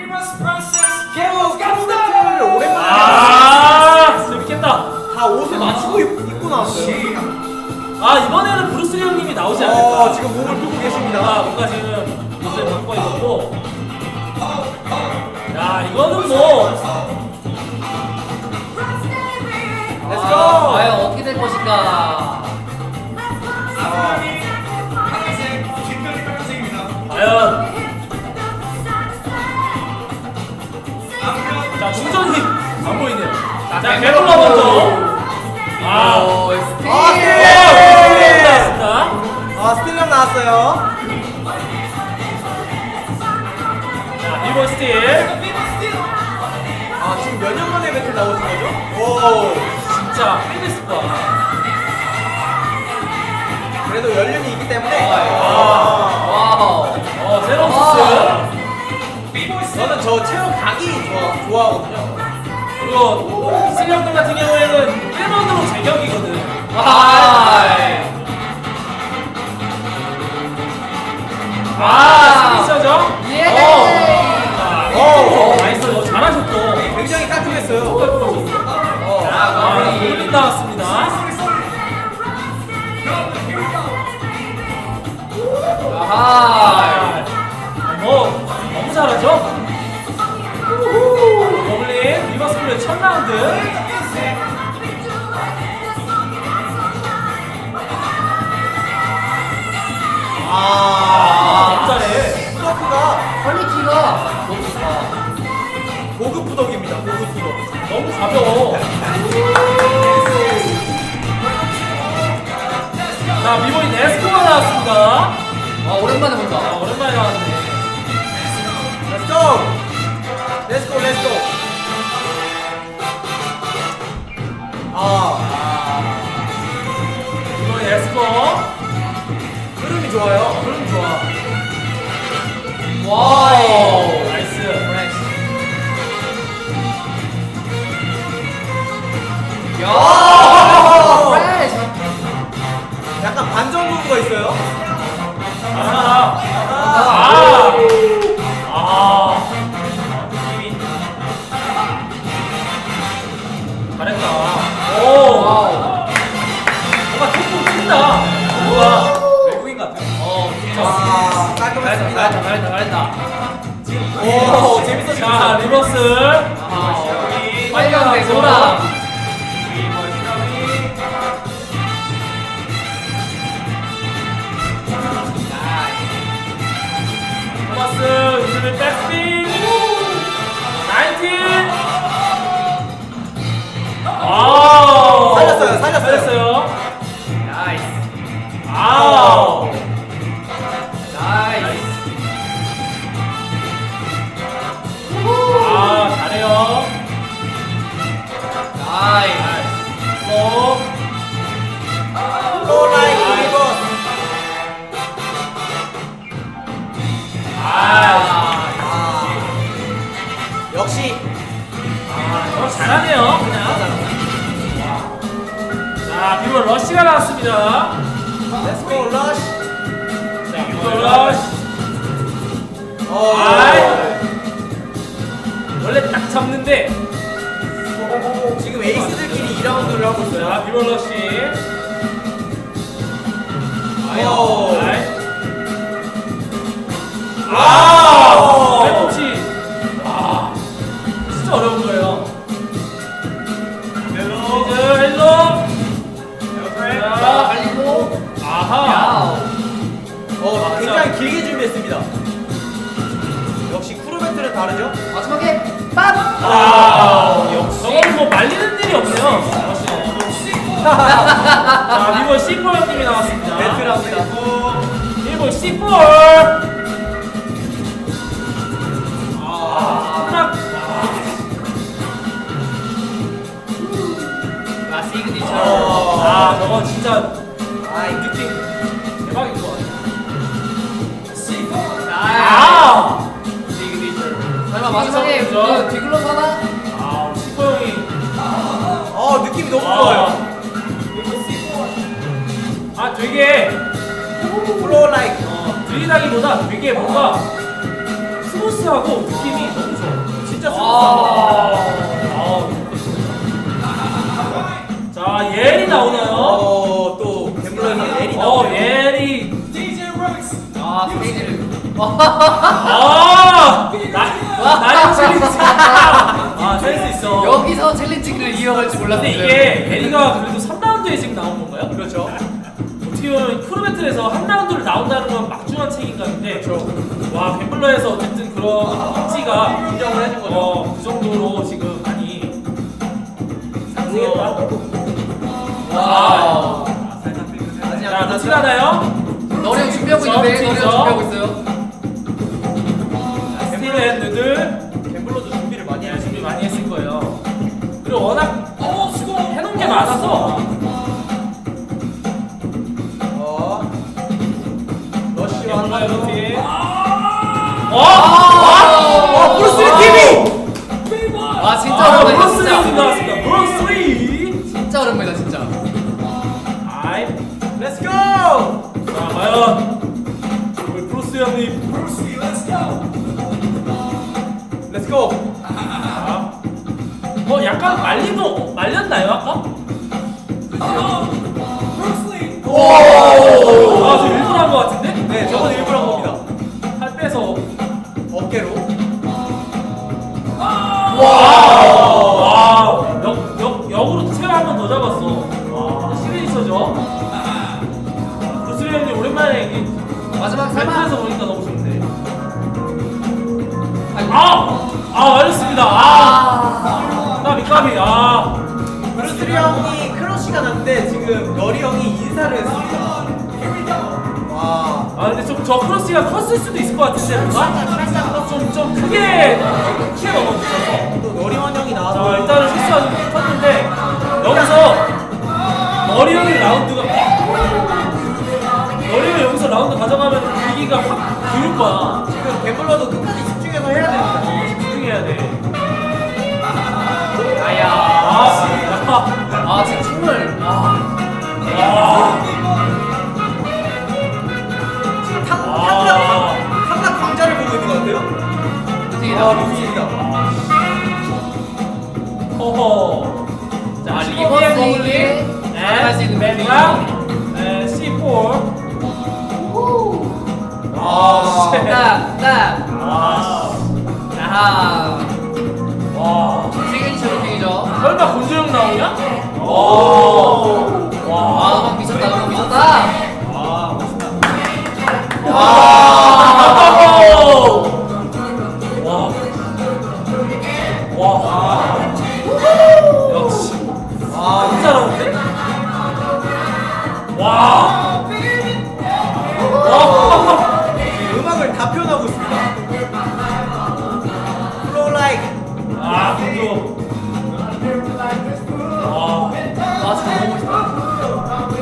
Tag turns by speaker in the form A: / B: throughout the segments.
A: 캐롤 깜짝을 오랜만에
B: 재밌겠다.
A: 다 옷을 맞추고 입고 나왔어요.
B: 이번에는 브루스 형님이 나오지 않을까.
A: 지금 몸을 풀고 계십니다.
B: 뭔가 지금 옷을 바꿔 입었고. 야, 이거는 뭐.
A: 렛츠고!
C: 과연 어떻게 될 것인가?
B: 과연. 자, 충전이 안 보이네요. 자, 개롤러 먼저.
C: 스틸!
B: 나왔습니다.
A: 스틸 형 나왔어요.
B: 자, 비보 스틸.
A: 지금 몇 년 만에 배틀 나오신 거죠? 오,
B: 진짜 팬데스과.
A: 그래도 연륜이 있기 때문에.
C: 와우!
B: 새로운 코스.
A: 저는 저 체험 각이 좋아하거든요.
B: 그리고 이슬형들 같은 경우에는 1번으로 제격이거든. 스피셔죠?
C: 예!
B: 나이스. 잘하셨어.
A: 굉장히 깔끔했어요.
B: 골린 나왔습니다. 너무 잘하죠? 버블린 리버스 플레이 첫 라운드. 너무 잘해.
A: 후덕가
C: 퀄리티가 너무 좋다.
A: 고급 후덕입니다. 고급 후덕.
B: 너무 가벼워. 자, 비보이 네스코가 나왔습니다.
C: 오랜만에 본다.
B: 오랜만에 나왔네.
A: Let's go! Let's go, let's go!
B: 비보이 네스코.
A: 흐름이 좋아요.
B: 흐름 좋아.
C: 와우!
B: 나이스.
C: 야!
A: 약간 반전 부분가 있어요.
B: 잘했다.
C: 와우!
B: 뭔가 톡톡 튄다. 뭔가
A: 외국인 같아요.
B: 진짜.
A: 깔끔했습니다.
C: 잘했다.
A: 오, 재밌어지고
B: 자,
A: 있어요.
B: 리버스.
C: 빨간 대소라.
B: 토마스, 요즘에 백스핀. 19. 살렸어요.
C: 나이스.
B: 잘해요.
A: 라이크 리버스. 역시
B: 잘하네요. 그냥. 자, 비보 러쉬가 나왔습니다.
A: Let's go, rush.
B: 자, 비보 러쉬. 원래 딱 잡는데.
A: 지금 에이스들끼리 2라운드를 하고 있어요.
B: 자, 비보 러쉬. 백꿈치. 진짜 어려운 거예요. 헬로.
C: 달리고.
B: 아하.
A: 굉장히 길게 준비했습니다. 역시 크루 배틀은 다르죠?
C: 마지막에 빰!
B: 저건 뭐 말리는 일이 없네요. 자, 이번 C4 형님이 나왔습니다.
A: 배틀합니다.
B: 일본 C4.
C: 시그니처.
B: 저건 진짜 이 느낌 대박인 것 같아.
C: 시그니처. 설마 마지막에 그 뒤글러 사나?
B: C4 형이
A: 느낌이 너무 좋아요.
B: 되게
A: 플로우 라이크.
B: 들이다기보다 되게 뭔가 스무 스무스하고 느낌이 너무 좋아.
A: 진짜
B: 자, 예리 나오나요?
A: 또 갬블러에서 예리 나오네요.
B: 예리.
C: 아 스테이지를.
B: 나의 챌린지. 센스 있어.
C: 여기서 챌린지를 이어갈 줄
B: 근데
C: 몰랐는데.
B: 이게 예리가 그래도 3라운드에 지금 나온 건가요?
A: 그렇죠.
B: 어떻게 보면 프로배틀에서 한 라운드를 나온다는 건 막중한 책임감인데 와 갬블러에서 어쨌든 그런 입지가
A: 인정을 해준 거죠.
B: 그 정도로 지금 많이
A: 상승했다.
B: 와.
A: 아직
B: 자,
A: 안
B: 놓칠
A: 끝났죠?
B: 하나요?
C: 너리 형 준비하고 있는데. 너리 형 준비하고 있어요.
B: 스틸 앤 누들
A: 갬블러도 준비를 많이 해야지.
B: 준비 많이 했을 거예요. 그리고 워낙 해놓은 게 많아서
A: 러쉬와
B: 갬블러의 루틴.
A: 브루스 리 TV!
C: 아 진짜 오랜만이다
B: 브루스 리
C: 진짜.
B: 나왔습니다. 브루스 리.
C: 진짜 오랜만이다 진짜.
B: 아이.
A: 렛츠 고!
B: 자, 과연 우리 브루스 형님.
A: 렛츠 고!
B: 자, 약간 말렸나요 아까? 저 일부러 한 거 같은데?
A: 네, 저건 일부러 한 겁니다.
B: 팔 빼서.
A: 어깨로.
B: 역으로 체어 한 번 더 잡았어. 시그니처죠? 브루스리 형님 오랜만에 이게
C: 마지막 설마.
B: 밴드에서 보니까 너무 좋네.
C: 아이고.
B: 말렸습니다. 까비.
A: 브루스 리 형이 크러쉬가 났는데 지금 너리 형이 인사를 했습니다. 와.
B: 근데 저 크로스가 컸을 수도 있을 것 같은데 뭔가? 좀 크게 넘어붙어서.
A: 또 너리원 형이
B: 자,
A: 나와서
B: 일단은 실수가 좀 컸는데 여기서 머리 형이 라운드가 머리 형이 여기서 라운드 가져가면 분위기가 확 기울 거야.
A: 지금 갬블러도 끝까지 집중해서 해야 됩니다.
B: 집중해야 돼.
C: 진짜 춤을.
A: 지금 탐락 광자를 보고 있는 것 같아요.
C: 루틴이다.
A: 루틴이다.
B: 허허. 자,
C: 리버스 이게 잘할 수 있는
B: 맵이랑 C4.
C: 딱. 아하.
B: 와.
C: 시그니처 루틴이죠.
B: 설마 권조영 나오냐?
C: 음악 미쳤다. 음악 미쳤다.
B: 역시. 너무 잘하는데?
A: 음악을 다 표현하고 있습니다. Flow like.
B: 권조.
C: 진짜 너무 멋있다.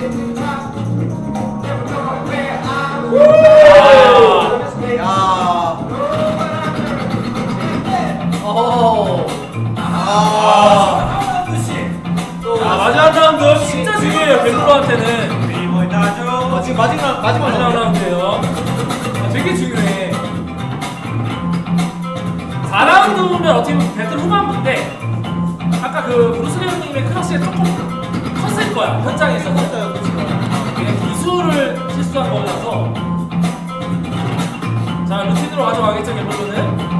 A: 야.
B: 마지막 라운드 진짜 중요해요, 갬블러한테는.
A: 지금 마지막 라운드.
B: 라운드예요. 되게 중요해. 4라운드면 어떻게 보면 배틀 후반부인데 아까 그 브루스리 형님의 크러쉬가 조금 컸을 거야, 현장에서는. 그냥 기술을 실수한 거라서. 자, 루틴으로 가져가겠죠, 갬블러는.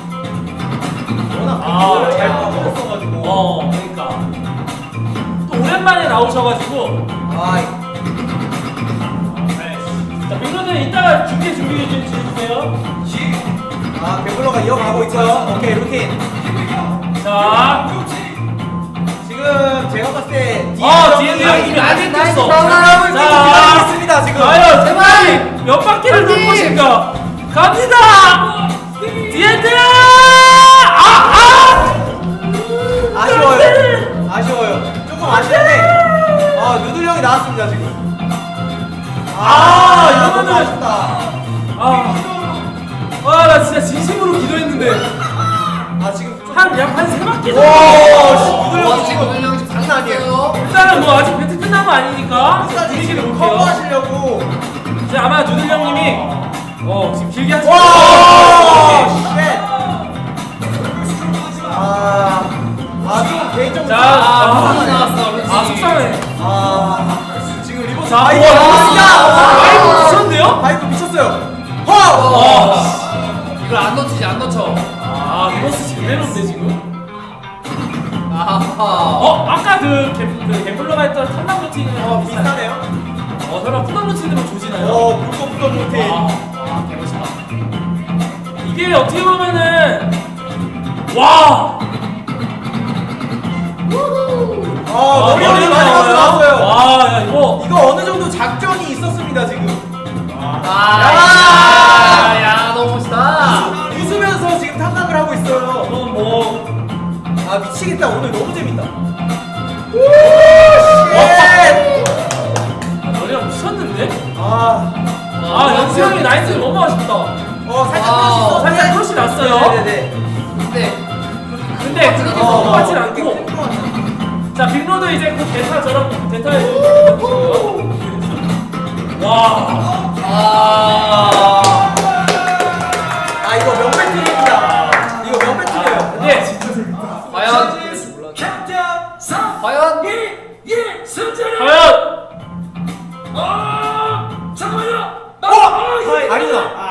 A: 워낙 잘 뽑았어가지고.
B: 그러니까. 또 오랜만에 나오셔가지고. 자, 빅로는 이따가 준비해 주세요.
A: 갬블러가 이어가고 있고요. 오케이, 루틴.
B: 자,
A: 지금 제가 봤을 때
B: D&D 형님이 아직 됐어.
A: 기다리고 있습니다, 지금.
B: 과연
C: 제발!
B: 몇 바퀴를 돌 것인가? 갑니다! D&D!
A: 아쉬워요. 조금 아쉬운데. 누들 형이 나왔습니다, 지금.
B: 이러면은-
A: 너무 아쉽다.
B: 나 진짜 진심으로 기도했는데.
A: 지금
B: 한 세 바퀴
A: 오,
B: 정도.
A: 누들 형이 지금
C: 형 지금 장난 아니에요.
B: 일단은 뭐 아직 배틀 끝난 거 아니니까
A: 끝까지
B: 분위기를
A: 지금
B: 볼게요.
A: 커버하시려고.
B: 이제 아마 누들 형님이 지금 길게 하지
A: 와!
B: 마.
A: 좀 개인적으로.
B: 자,
C: 아, 나왔어. 그렇지.
B: 속상해.
A: 지금 리버스.
B: 자,
A: 이거
B: 우와. 파이브 미쳤는데요?
A: 바이브 미쳤어요.
C: 이걸 안 놓치지, 안 놓쳐.
B: 리버스 지금 내놓는데 지금.
C: 아하.
B: 아까 그 갬블러가 했던 탐랑 루틴은
A: 비슷하네요.
B: 설마 푸당 루틴으로 조지나요?
A: 불꽃불꽃 루틴.
C: 개멋있다.
B: 이게 어떻게 보면은 와.
A: 머리 많이 나왔어요.
B: 와, 야 이거.
A: 이거 어느 정도 작전이 있었습니다 지금.
C: 야, 너무 멋있다.
A: 웃으면서 지금 탐락을 하고 있어요.
B: 이건 뭐.
A: 미치겠다. 오늘 너무 재밌다.
B: 너네랑 미쳤는데?
A: 연수
B: 연수 형이 나이스 너무 아쉽다. 살짝 크러쉬 났어요.
A: 네네네.
B: 근데 그렇게 성공하진 않고. 자, 빅로드 이제 그 대타처럼 대타에 와.
A: 이거 명배틀입니다. 이거 명배틀이에요.
B: 근데
C: 과연? 과연?
B: 과연
A: 아니구나.